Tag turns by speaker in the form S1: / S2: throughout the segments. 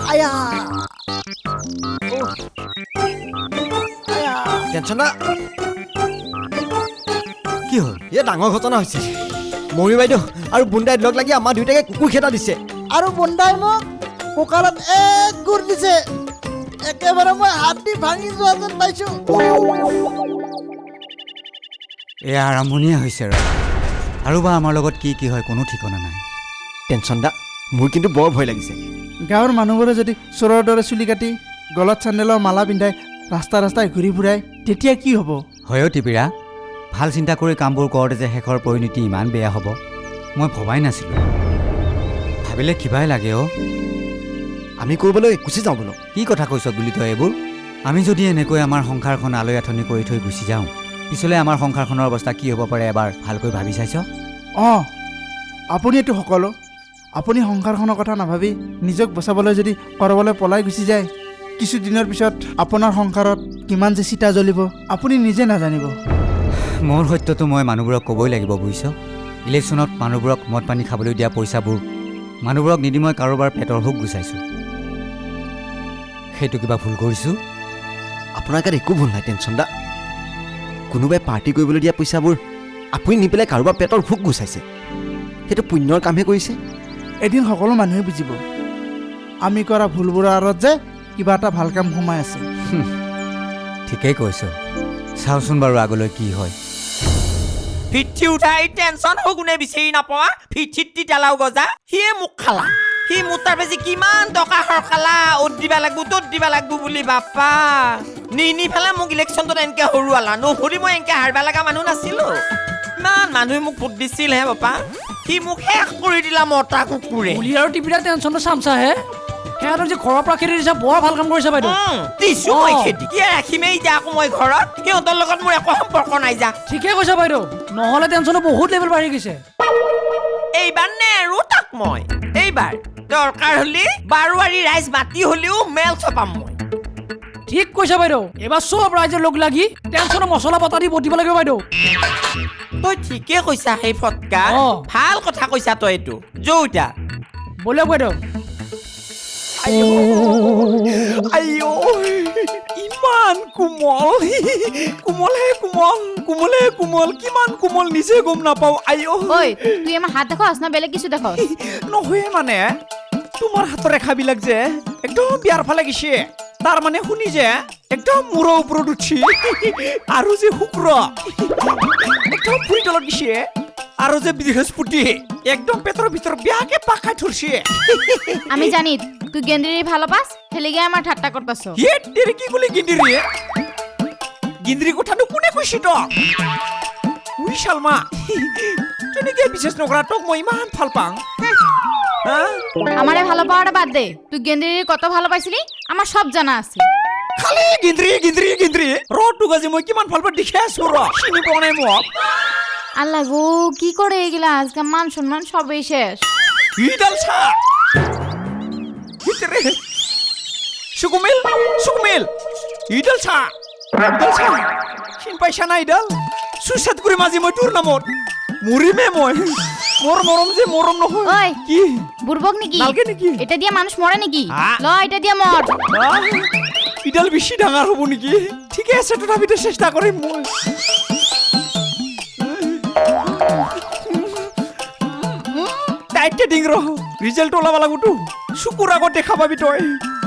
S1: আয়া আয়া tension না কি হ'ল এ ডাঙৰ ঘটনা হৈছে মমি বাইদেউ আৰু বুন্দাই লগ লাগি আমাৰ দুইটাকে কুকুৰ খেদা দিছে
S2: আৰু বুন্দাই মোক কঁকালত এক গুৰ দিছে একেবাৰে মই হাতী ভাঙি যোৱা যেন পাইছোঁ
S3: এয়া আৰম্ভণিয়ে হৈছে আৰু বা আমাৰ লগত কি কি হয় কোনো ঠিকনা নাই
S1: টেনচন দা মোৰ কিন্তু বৰ ভয় লাগিছে
S2: গাঁৱৰ মানুহবোৰে যদি চোৰৰ দৰে চুলি কাটি গলত চেণ্ডেলৰ মালা পিন্ধাই ৰাস্তাই ঘূৰি ফুৰাই তেতিয়া কি হ'ব
S3: হয়ো টিপিৰা ভাল চিন্তা কৰি কামবোৰ কৰোঁতে যে শেষৰ পৰিণতি ইমান বেয়া হ'ব মই ভবাই নাছিলোঁ ভাবিলে কিবাই লাগে অ'
S1: আমি ক'ৰবালৈ গুচি যাওঁ বোলো
S3: কি কথা কৈছ বুলি তই এইবোৰ আমি যদি এনেকৈ আমাৰ সংসাৰখন আলৈ আথনি কৰি থৈ গুচি যাওঁ পিছলৈ আমাৰ সংসাৰখনৰ অৱস্থা কি হ'ব পাৰে এবাৰ ভালকৈ ভাবি চাইছ
S2: অঁ আপুনি এইটো সকলো আপুনি সংসাৰখনৰ কথা নাভাবি নিজক বচাবলৈ যদি ক'ৰবালৈ পলাই গুচি যায় কিছুদিনৰ পিছত আপোনাৰ সংসাৰত কিমান যে চিতা জ্বলিব আপুনি নিজে নাজানিব
S3: মোৰ সত্যটো মই মানুহবোৰক ক'বই লাগিব বুজিছ ইলেকশ্যনত মানুহবোৰক মদ পানী খাবলৈ দিয়া পইচাবোৰ মানুহবোৰক নিদি মই কাৰোবাৰ পেটৰ ভোক গুচাইছোঁ সেইটো কিবা ভুল কৰিছোঁ
S1: আপোনাৰ গাত একো ভুল নাই টেনচন দা কোনোবাই পাৰ্টি কৰিবলৈ দিয়া পইচাবোৰ আপুনি নি পেলাই কাৰোবাৰ পেটৰ ভোক গুচাইছে সেইটো পুণ্যৰ কামহে কৰিছে
S2: এদিন সকলো মানুহে বুজিব আমি কৰা ভুলবোৰৰ আঁৰত যে কিবা এটা ভাল কাম সোমাই আছে
S3: ঠিকেই কৈছ চাওচোন বাৰু আগলৈ কি হয়
S4: ফিঠি উঠাই টেনচন হৈ কোনে বিচাৰি নাপোৱা ফিঠিত তিতালাও গজা সিয়ে মোক খালা সি মোৰ তাৰ বেছি কিমান টকা সৰকালা অ'ত দিবা লাগব ত'ত দিবা লাগব বুলি বাপা নি ফেলে মোক ইলেকশ্যনটোত এনেকে হৰুৱালা নহৰি মই এনেকে হাৰবা লগা মানুহ নাছিলো ইমান মানুহে মোক ভোট দিছিল হে বাপা সি মোক শেষ কৰি দিলা মতা কুকুৰে
S5: পুলি আৰু টিপিৰা টেনচনটো চামচাহে সিহঁতৰ যে ঘৰৰ পৰা খেতি দিছা বৰ ভাল কাম কৰিছে বাইদেউ
S4: দিছো মই খেতি কি ৰাখিমেই যা আকৌ মই ঘৰত সিহঁতৰ লগত মোৰ একো সম্পৰ্ক নাই যা
S5: ঠিকে কৈছা বাইদেউ নহ'লে টেনচনো বহুত লেভেল বাঢ়ি গৈছে
S4: এইবাৰ নেৰো তাক মই এইবাৰ দৰকাৰ হলে বাৰোৱাৰী ৰাইজ মাতি হলেও মেল চপাম মই
S5: ঠিক কৈছা বাইদেউ এবাৰ চব ৰাইজে লগ লাগি টেনচনৰ মছলা বটা দি বটিব লাগিব বাইদেউ
S4: তই ঠিকে কৈছা সেই ফটকা ভাল কথা কৈছা তই এইটো যৌতা
S5: ব'লক বাইদেউ
S4: আইও ইমান কোমল কোমলহে কোমল কোমলে কোমল কিমান কোমল নিজে গম নাপাও আইও
S6: ঐ তুই আমার হাত দেখো না বেলেগ কিছু দেখো
S4: নহয় মানে তোমাৰ হাতৰ ৰেখাবিলাক যে একদম বিয়াৰ ফালে গিছে তাৰ মানে শুনি যে একদম মূৰৰ ওপৰত উঠি আৰু যে শুক্ৰ একদম ভুঁই তলত গিছে আৰু যে বৃহস্পতি একদম পেটৰ ভিতৰত বিয়াকে পাকাই ধৰছে
S6: আমি জানি তুই গেন্দ্রি ভালো পাস ফেলে গিয়ে আমার ঠাট্টা করতাছ
S4: হে তেরে কি বলি গিন্দিরি গিন্দিরি কথাটো কোনে কৈছে তো উই শালমা কেনেকে বিশেষ নকৰা তোক মই ইমান ভাল পাং
S6: আমারে ভালো পাওয়াটা বাদ দে তুই গেন্দ্রির কত ভালো পাইছিলি আমার সব জানা আছে
S4: খালি গিন্দিরি রটুক আজি মই কিমান ভাল পা দেখে আছো র চিনি পোৱা নাই মোক
S6: আল্লাহ গো কি করে এগুলা আজকে মান সম্মান সবই শেষ
S4: ইডাল ছা ভিতরে সুকুমিল ইডাল ছা চিন পাইছা না ইডাল সুসাদ করে মাঝি মই তোর নামত মরিমে মই মোর মরম যে মরম নহয়
S6: ওই
S4: কি
S6: বুরবক নাকি
S4: নালকে নাকি
S6: এটা দিয়ে মানুষ মরে নাকি
S4: হ্যাঁ।
S6: ল এটা দিয়ে মর
S4: ইডাল বেশি ডাঙৰ হব নেকি ঠিকে আছে তথাপিতো চেষ্টা কৰিম মই টাইটে ডিং ৰহ ৰিজাল্ট ওলাব লাগবতো চকুৰ আগত দেখা পাবি তই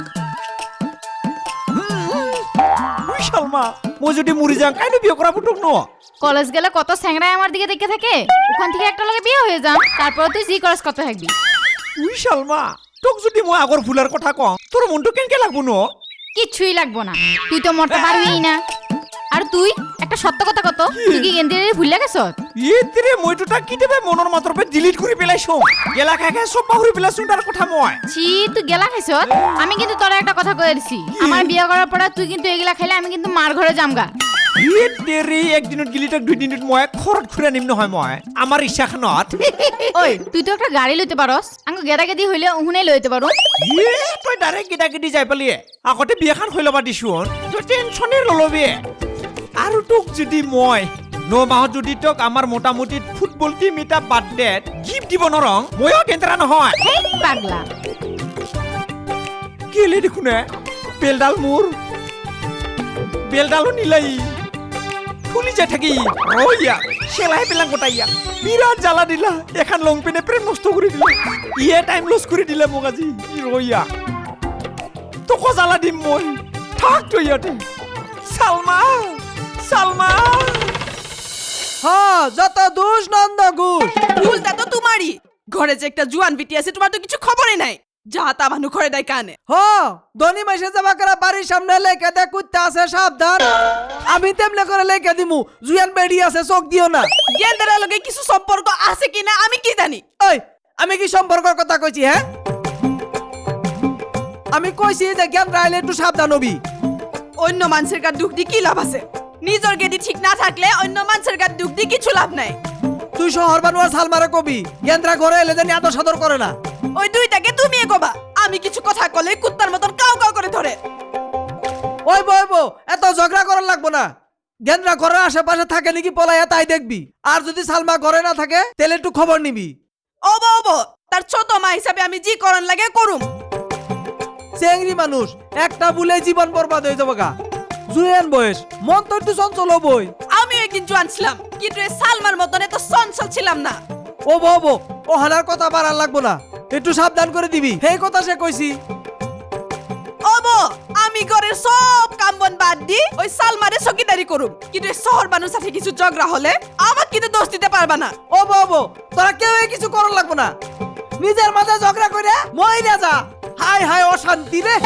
S4: শালমা মই যদি মৰি যাওঁ কাইনো বিয়ে কৰাব তোক ন
S6: কলেজ গেলে কত স্যাংরাই আমার দিকে দেখে থাকে ওখান থেকে একটা লগে বিয়ে হয়ে যাম তারপর তুই জি করস কত থাকবি
S4: উই শালমা তোক যদি মই আগৰ ভুলাৰ কথা কওঁ তোৰ মনটো কেনকে লাগব ন
S6: কিচ্ছুই লাগবো না তুই তো মরতে পারবিই না আর তুই একটা সত্য কথা কত তুই কি গেন্দ্রি ভুলে গেছ
S4: ইতিরে মইতো তাক কিতেবে মনৰ মাত্ৰৰ পৰা ডিলিট কৰি পেলাইছো গেলা খাই সব পাহৰি পেলাইছো তাৰ কথা মই
S6: ছি তুই গেলা খাইছ আমি কিন্তু তোর একটা কথা কয়ে দিছি আমার বিয়ে করার পর তুই কিন্তু এগুলা খাইলে আমি কিন্তু মার ঘরে যামগা
S4: ইতিরে একদিনত গিলি তাক দুই দিনত মই খৰত ঘুৰা নিম নহয় মই আমাৰ ইচ্ছাখনত
S6: ওই তুই তো একটা গাড়ি লইতে পারস আঙ্গ গেদা গেদি হইলে উহুনে লইতে পারো
S4: তই ডাইৰেক্ট গিটা যাই পালি আগতে বিয়াখন হৈ ল'বা দিছো তই টেনচনে নলবি আৰু তোক যদি মই 9 মাহত যদি তোক আমাৰ মোটামুটি ফুটবল টিম এটা বাৰ্থডেত গিফ্ট দিব নৰং ময়ো কেন্দ্ৰা নহয়
S6: হেই পাগলা
S4: গেলে দেখোনে বেলডাল মোৰ বেলডালো নিলাই ফুলি যাই থাকি ৰয়া চেলাই পেলাং গোটাই ইয়াক বিৰাট জ্বালা দিলা এখন লং পেনে প্ৰেম নষ্ট কৰি দিলে ইয়ে টাইম লছ কৰি দিলে মোক আজি ৰয়া তোকো জ্বালা দিম মই থাক তই ইয়াতে সালমা সালমা
S7: হ্যাঁ যত দোষ নন্দ ঘোষ
S8: ভুলটা তো তোমারই ঘরে যে একটা জুয়ান বিটি আছে তোমার তো কিছু খবরই নাই যা তা মানুষ ঘরে দেয় কানে
S7: হ্যাঁ ধনী মাসে যাবা করে বাড়ির সামনে লেখা দে কুত্তা আছে সাবধান আমি তেমনে করে লেখা দিমু জুয়ান বেড়ি আছে চোখ দিও না
S8: গেন্দার লগে কিছু সম্পর্ক আছে কিনা আমি কি জানি
S7: ওই আমি কি সম্পর্কের কথা কইছি হ্যাঁ আমি কইছি যে জ্ঞান রাইলে একটু সাবধান হবি
S8: অন্য মানুষের গাত দুঃখ দি কি লাভ আছে নিজের গেদি ঠিক না থাকলে অন্য মানুষের গাত দুঃখ দি কিছু লাভ নাই
S7: তুই শহর বানুয়ার সালমারে কবি জ্ঞানরা ঘরে এলে জানি আদর সদর করে না
S8: ওই দুইটাকে তুমি এগোবা আমি কিছু কথা কলে কুত্তার মতন কাউ কাউ করে ধরে
S7: ওই বই বো এত ঝগড়া করার লাগবো না জ্ঞানরা ঘরের আশেপাশে থাকে নাকি পলাইয়া তাই দেখবি আর যদি সালমা ঘরে না থাকে তাহলে একটু খবর নিবি
S8: ওবো ওবো তার ছোট মা হিসাবে আমি জি করন লাগে করুম
S7: চেংড়ি মানুষ একটা ভুলে জীবন বরবাদ হয়ে যাবো গা জুয়েন বয়স মন তো একটু চঞ্চল বই
S8: আমি একদিন জোয়ান ছিলাম কিন্তু এই সালমার মতন এত চঞ্চল ছিলাম না
S7: ও বো ও হালার কথা বাড়ার লাগবো না একটু সাবধান করে দিবি সেই কথা সে কইছি
S8: ওবো আমি ঘরের সব কাম বন বাদ দি ওই সালমারে চকিদারি করুম কিন্তু এই শহর মানুষ সাথে কিছু ঝগড়া হলে আমাকে কিন্তু দোষ দিতে পারবা না
S7: ও বো তোরা কেউ কিছু করার লাগবো না নিজের মাঝে ঝগড়া করে মহিলা যা হাই হাই অশান্তি রে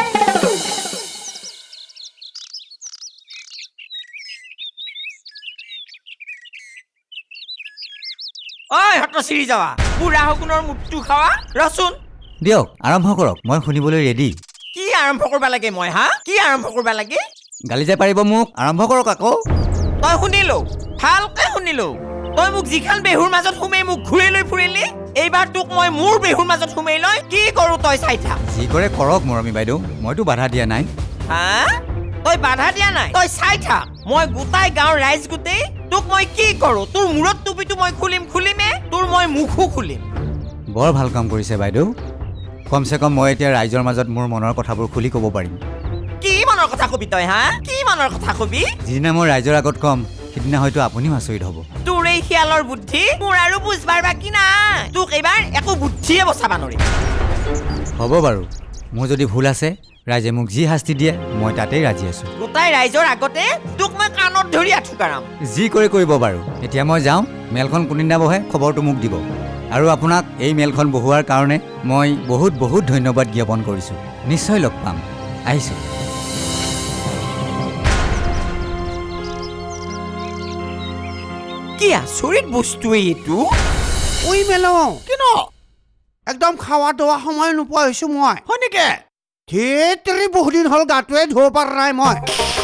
S4: ঐ হত চিৰি যাৱা বুঢ়া শগুনৰ মুটটো খাৱা ৰচোন
S3: দিয়ক আৰম্ভ কৰক মই শুনিবলৈ ৰেডি
S4: কি আৰম্ভ কৰিব লাগে মই হা কি আৰম্ভ কৰিব লাগে
S3: গালি যে পাৰিব মোক আৰম্ভ কৰক আকৌ
S4: তই শুনিলো ভালকে শুনিলো তই মোক যিখন বেহুৰ মাজত সোমাই মোক ঘূৰি লৈ ফুৰিলি এইবাৰ তোক মই মোৰ বেহুৰ মাজত সোমাই লৈ কি কৰো তই চাই থাক
S3: যি কৰে কৰক মৰমী বাইদেউ মইতো বাধা দিয়া নাই
S4: হা তই বাধা দিয়া নাই তই চাই থাক মই গোটাই গাঁৱৰ ৰাইজ গোটেই তোক মই কি কৰো তোৰ মূৰত টুপিটো মই খুলিমে তোৰ মই মুখো খুলিম
S3: বৰ ভাল কাম কৰিছে বাইদেউ কমচে কম মই এতিয়া ৰাইজৰ মাজত মোৰ মনৰ কথাবোৰ খুলি ক'ব পাৰিম
S4: কি মনৰ কথা কবি তই হা কি মনৰ কথা কবি
S3: যিদিনা মই ৰাইজৰ আগত কম সিদিনা হয়তো আপুনিও আচৰিত হ'ব
S4: তোৰ এই খিয়ালৰ বুদ্ধি মোৰ আৰু বুজবাৰ বাকী নাই তোক এইবাৰ একো বুদ্ধিয়ে বচাবা নোৱাৰি
S3: হ'ব বাৰু মোৰ যদি ভুল আছে ৰাইজে মোক যি শাস্তি দিয়ে মই তাতেই ৰাজি আছোঁ
S4: গোটাই ৰাইজৰ আগতে তোক মই কাণত ধৰি আঠুকাৰাম
S3: যি কৰি কৰিব বাৰু এতিয়া মই যাওঁ মেলখন কোনদিনা বহে খবৰটো মোক দিব আৰু আপোনাক এই মেলখন বহোৱাৰ কাৰণে মই বহুত বহুত ধন্যবাদ জ্ঞাপন কৰিছোঁ নিশ্চয় লগ পাম আহিছোঁ
S4: কি আচৰিত বস্তু এইটো
S9: ওই মেল কিনো একদম খাওয়া দোৱা সময় নোপোৱা হৈছো মই
S4: হয় নেকি
S9: ধেতৰি বহুদিন হ'ল গাটোৱে ধুব পৰা নাই মই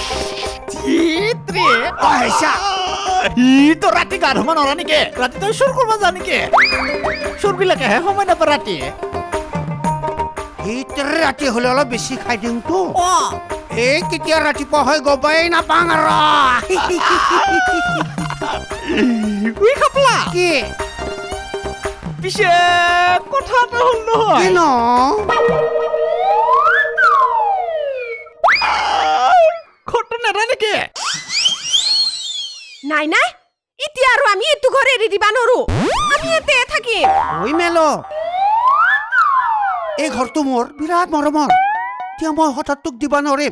S5: তো ৰাতি গা ধুব নৰা নেকি ৰাতি তই চুৰ কৰিব যা নেকি চুৰবিলাকেহে সময় নাপায় ৰাতি
S9: ধেতৰি ৰাতি হ'লে অলপ বেছি খাই দিওঁতো এই কেতিয়া ৰাতিপুৱা হৈ গবাই নাপাং আৰু কি
S5: পিছে কথা এটা হ'ল নহয়
S9: কিনো
S5: ঘৰটো নেদা নেকি
S8: নাই নাই এতিয়া আৰু আমি এইটো ঘৰ এৰি দিবা নোৱাৰো আমি ইয়াতে থাকিম
S9: ওই মেল এই ঘৰটো মোৰ বিৰাট মৰমৰ এতিয়া মই হঠাৎ তোক দিবা নোৱাৰিম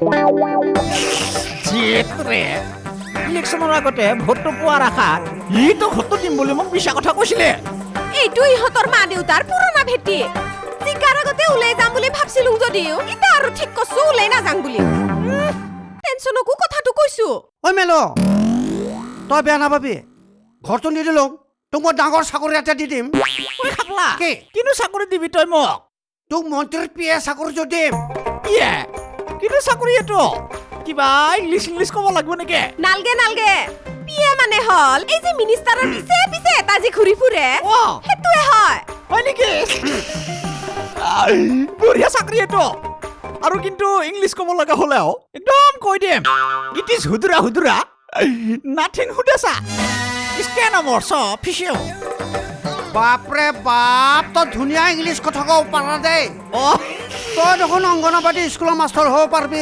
S5: ইলেকশ্যনৰ আগতে ভোটটো পোৱাৰ আশাত ইটো ঘৰটো দিম বুলি মোক মিছা কথা কৈছিলে
S8: এইটো ইহঁতৰ মা দেউতাৰ পুৰণা ভেটি জিকাৰ আগতে ওলাই যাম বুলি ভাবছিলো যদিও এতিয়া আৰু ঠিক কৈছো ওলাই নাযাং বুলি টেনচনকো কথাটো কৈছো
S9: ঐ মেল তই বেয়া নাপাবি ঘৰটো নিদিলোঁ তোক মই ডাঙৰ চাকৰি এটা দি দিম
S5: ঐ খাপলা
S9: কি?
S5: কিনো চাকৰি দিবি তই মোক
S9: তোক মন্ত্ৰীৰ পিয়ে চাকৰিটো দিম
S5: ইয়ে কিনো চাকৰি এইটো কিবা ইংলিছ ক'ব লাগিব নেকি
S8: নালগে নালগে পিয়ে মানে হল এই যে মিনিষ্টাৰৰ পিছে পিছে এটা যে ঘূৰি ফুৰে সেইটোৱে হয়
S5: হয় নেকি বঢ়িয়া চাকৰি এইটো আৰু কিন্তু ইংলিছ ক'ব লগা হ'লেও একদম কৈ দিম ইট ইজ হুদুৰা নাথিং হুদেছা স্কেন মোৰ চব ফিচিও
S9: বাপৰে বাপ তই ধুনীয়া ইংলিছ কথা ক'ব পাৰা দেই তই দেখোন অংগনবাদী স্কুলৰ মাষ্টৰ হ'ব পাৰিবি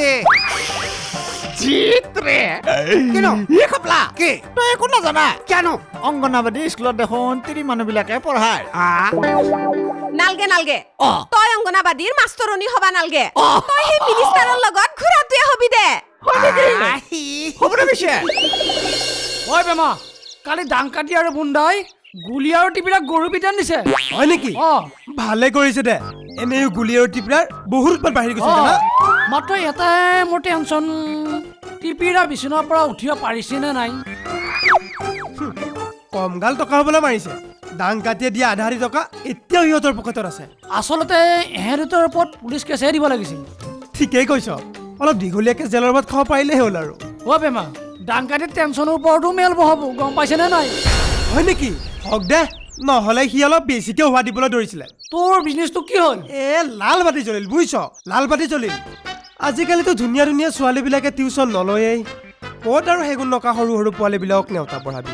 S5: জিত্ৰে
S9: কিনো
S5: ই খাপলা
S9: কি
S5: তই একো নাজানা
S9: কিয়নো
S5: অংগনবাদী স্কুলত দেখোন তিৰি মানুহবিলাকে পঢ়ায়
S8: নালগে নালগে
S5: অ
S8: তই অংগনাবাদীৰ মাষ্টৰণী হবা নালগে
S5: অ
S8: তই সেই মিনিষ্টাৰৰ লগত ঘূৰাটোৱে হবি দে
S5: হ'ব দে পিছে
S7: ঐ বেমা কালি ডাংকাটি আৰু বুন্দাই গুলি আৰু টিপিৰা গৰু পিটান দিছে
S2: হয় নেকি ভালে কৰিছে দে এনেও গুলি আৰু টিপৰাৰ বহুত উৎপাত বাঢ়ি গৈছে জানা
S7: মাত্ৰ এটাই মোৰ টেনচন টিপিৰা বিচনাৰ পৰা উঠিব পাৰিছে নে নাই
S2: কমগাল টকা হ'বলৈ মাৰিছে ডাং কাটিয়ে দিয়া আধা টকা এতিয়াও সিহঁতৰ পকেটত আছে
S7: আচলতে এহেঁতৰ ওপৰত পুলিচ কেছহে দিব লাগিছিল
S2: ঠিকেই কৈছ অলপ দীঘলীয়াকে জেলৰ ভাত খাব পাৰিলেই হ'ল আৰু
S7: অ' বেমা ডাংকাটিৰ টেনচনৰ ওপৰতো মেল বহাব গম পাইছেনে নাই
S2: হয় নেকি হওক দে নহ'লে সি অলপ বেছিকে হোৱা দিবলৈ ধৰিছিলে
S7: তোৰ বিজনেছটো কি হ'ল
S2: লাল বাতি জ্বলিল বুজিছ লাল বাতি জ্বলিল আজিকালিতো ধুনীয়া ধুনীয়া ছোৱালীবিলাকে টিউচন নলয়েই ক'ত আৰু সেইগুণ নকা সৰু সৰু পোৱালীবিলাকক নেওতা পঢ়াবি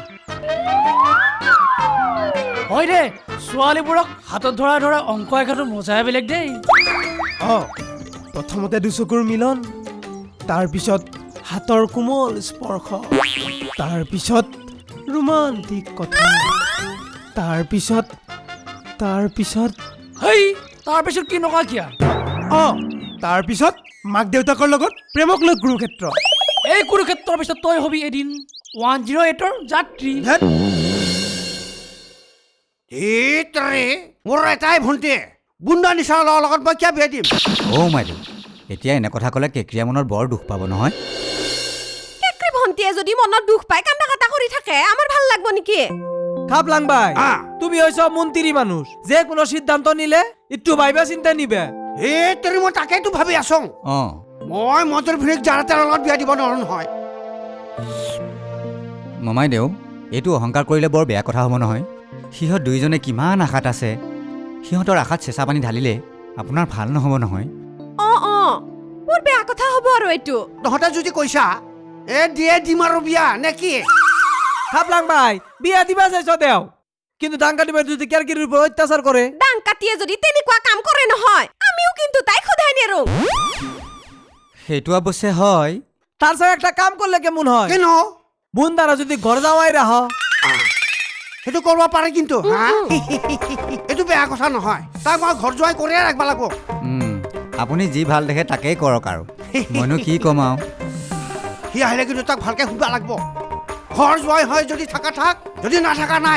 S7: হয় দে ছোৱালীবোৰক হাতত ধৰা ধৰা অংক এঘাটো মজাই বেলেগ দেই
S2: প্ৰথমতে দুচকুৰ মিলন তাৰপিছত হাতৰ কোমল স্পৰ্শ তাৰপিছত ৰোমান্টিক কথা তাৰপিছত
S7: হেই তাৰপিছত কি নকা কিয়া
S2: তাৰপিছত মাক দেউতাকৰ লগত প্ৰেমক লৈ কুৰুক্ষেত্ৰ
S7: এই কুৰুক্ষেত্ৰৰ পিছত তই হবি এদিন 108ৰ যাত্ৰী
S9: ধেতৰে মোৰ এটাই ভণ্টি বুন্দা নিচাৰ ল'ৰাৰ লগত মই কিয় বিয়া দিম
S3: অ' মাইদেউ এতিয়া এনে কথা ক'লে কেকৰিয়া মনত বৰ দুখ পাব নহয়
S8: কেকৰি ভণ্টিয়ে যদি মনত দুখ পায় কান্দা কাটা কৰি থাকে আমাৰ ভাল লাগব নেকি
S7: খাপলাং ভাই তুমি হইছ মন্ত্ৰী মানুষ যে কোনো সিদ্ধান্ত নিলে একটু ভাইবা চিন্তা নিবে
S9: ধেতৰে মই তাকেইতো ভাবি আছোঁ
S3: অঁ
S9: মই মদৰ ভিৰিক যাৰ তাৰ লগত বিয়া দিব নোৱাৰো নহয়
S3: মমাইদেউ এইটো অহংকাৰ কৰিলে বৰ বেয়া কথা হ'ব নহয় সিহঁত দুয়োজনে কিমান আশাত আছে সিহঁতৰ আশাত চেঁচা পানী ঢালিলে আপোনাৰ ভাল নহ'ব নহয়
S8: মোৰ বেয়া কথা হ'ব আৰু এইটো
S9: তহঁতে যদি কৈছা দিয়ে দিম আৰু বিয়া নে কি
S7: খাপলাং ভাই বিয়া দিবা চাইছ দেও কিন্তু ডাংকাটি ভাই যদি কেৰকিৰিৰ ওপৰত অত্যাচাৰ কৰে
S8: ডাং কাটিয়ে যদি তেনেকুৱা কাম কৰে নহয় আমিও কিন্তু তাইক সোধাই নেৰো
S3: সেইটো অৱশ্যে হয়
S7: তার সাথে একটা কাম করলে কেমন হয়
S9: কেন
S7: বুন্দারা যদি ঘর যাওয়াই রাহ
S9: সেইটো কৰিব পাৰে কিন্তু এইটো বেয়া কথা নহয় তাক মই ঘৰ যোৱাই কৰিয়ে ৰাখিব লাগিব
S3: আপুনি যি ভাল দেখে তাকেই কৰক আৰু মইনো কি ক'ম আৰু
S9: সি আহিলে কিন্তু তাক ভালকে সুধিব লাগিব ঘৰ যোৱাই হয় যদি থাকা থাক যদি নাথাকা নাই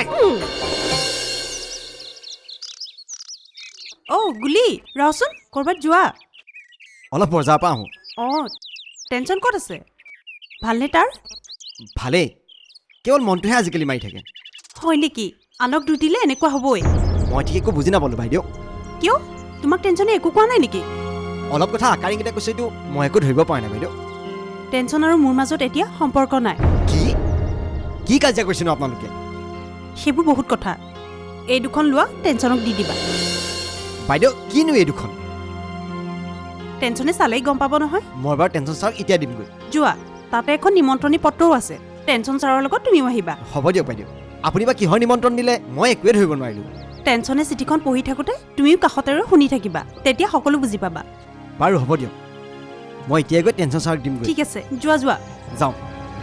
S8: গুলি ৰচোন কৰবাত যোৱা
S1: অলপ বজাৰ পৰা আহোঁ
S8: টেনচন ক'ত আছে ভালনে তাৰ
S1: ভালেই কেৱল মনটোহে আজিকালি মাৰি থাকে
S8: হয় নেকি আনক দুখ দিলে এনেকুৱা হ'বই
S1: মই ঠিক একো বুজি নাপালোঁ বাইদেউ
S8: কিয় তোমাক টেনচনে একো কোৱা নাই নেকি
S1: অলপ কথা আকাৰিকেইটা কৈছে এইটো মই একো ধৰিব পৰা নাই বাইদেউ
S8: টেনচন আৰু মোৰ মাজত এতিয়া সম্পৰ্ক নাই
S1: কি কাজিয়া কৰিছেনো আপোনালোকে
S8: সেইবোৰ বহুত কথা এই দুখন লোৱা টেনচনক দি দিবা
S1: বাইদেউ কিনো এই দুখন
S8: টেনচনে চালেই গম পাব নহয়
S1: মই বাৰু টেনচন ছাৰক এতিয়া দিমগৈ
S8: যোৱা তাতে এখন নিমন্ত্ৰণী পত্ৰও আছে টেনচন ছাৰৰ লগত তুমিও আহিবা
S1: হ'ব দিয়ক বাইদেউ আপুনি বা কিহৰ নিমন্ত্ৰণ দিলে মই একোৱে ধৰিব নোৱাৰিলোঁ
S8: টেনচনে চিঠিখন পঢ়ি থাকোঁতে তুমিও কাষতে শুনি থাকিবা তেতিয়া সকলো বুজি পাবা
S1: বাৰু হ'ব দিয়ক মই এতিয়াই গৈ টেনচন ছাৰক দিমগৈ
S8: ঠিক আছে যোৱা যোৱা
S1: যাওঁ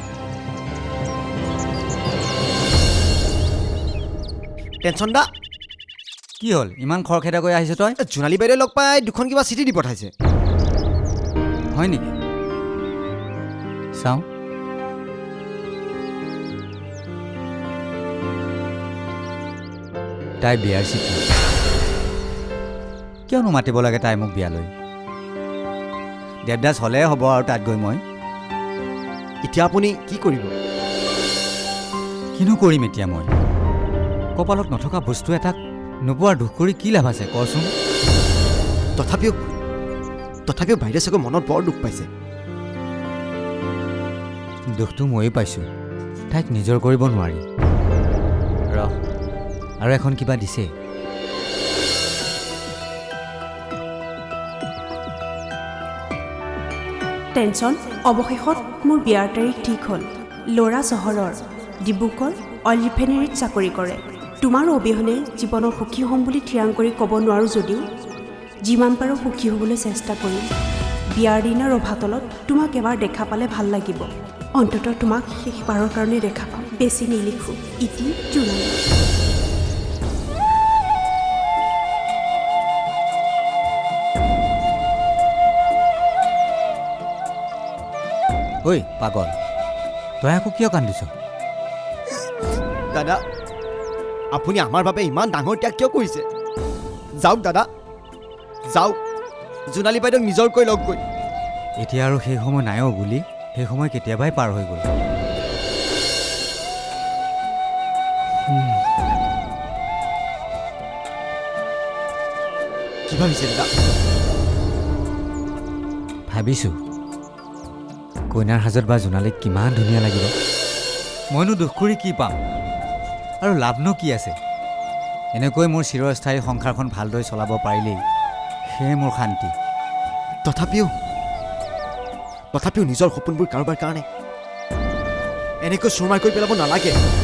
S1: টেনচন দা
S3: কি হ'ল ইমান খৰখেদা কৰি আহিছ তই
S1: জোনালী বাইদেউ লগ পাই দুখন কিবা চিঠি দি পঠাইছে
S3: হয় নেকি চাওঁ তাই বিয়াৰ চিঠি কিয়নো মাতিব লাগে তাই মোক বিয়ালৈ দেৱদাস হ'লে হ'ব আৰু তাত গৈ মই
S1: এতিয়া আপুনি কি কৰিব
S3: কিনো কৰিম এতিয়া মই কপালত নথকা বস্তু এটাক নোপোৱাৰ দুখ কৰি কি লাভ আছে কচোন
S1: তথাপিও বাইদেউ চাগৈ মনত বৰ দুখ পাইছে
S3: দুখটো ময়ো পাইছোঁ তাইক নিজৰ কৰিব নোৱাৰি ৰহ আৰু এখন কিবা দিছে
S8: টেনচন অৱশেষত মোৰ বিয়াৰ তাৰিখ ঠিক হ'ল ল'ৰা চহৰৰ ডিব্ৰুগড় অইল ৰিফাইনেৰীত চাকৰি কৰে তোমাৰ অবিহনে জীৱনৰ সুখী হ'ম বুলি থিৰাং কৰি ক'ব নোৱাৰোঁ যদিও
S10: যিমান পাৰোঁ সুখী হ'বলৈ চেষ্টা কৰিম বিয়াৰ দিনা ৰভাতলত তোমাক এবাৰ দেখা পালে ভাল লাগিব অন্ততঃ তোমাক শেষবাৰৰ কাৰণে দেখা পাম বেছি নিলিখোঁ ইতি জোনালী
S3: ঐ পাগল তই আকৌ কিয় কান্দিছ
S1: দাদা আপুনি আমাৰ বাবে ইমান ডাঙৰ ত্যাগ কিয় কৰিছে যাওক দাদা যাওক জোনালী বাইদেউক নিজৰকৈ লগ গৈ
S3: এতিয়া আৰু সেই সময় নাইও বুলি সেই সময় কেতিয়াবাই পাৰ হৈ গ'ল
S1: কি ভাবিছে দাদা
S3: ভাবিছোঁ কইনাৰ সাজত বা জোনালীক কিমান ধুনীয়া লাগিব মইনো দুখ কৰি কি পাম আৰু লাভনো কি আছে এনেকৈ মোৰ চিৰস্থায়ী সংসাৰখন ভালদৰে চলাব পাৰিলেই সেয়ে মোৰ শান্তি
S1: তথাপিও নিজৰ সপোনবোৰ কাৰোবাৰ কাৰণে এনেকৈ চুৰমাৰ কৰি পেলাব নালাগে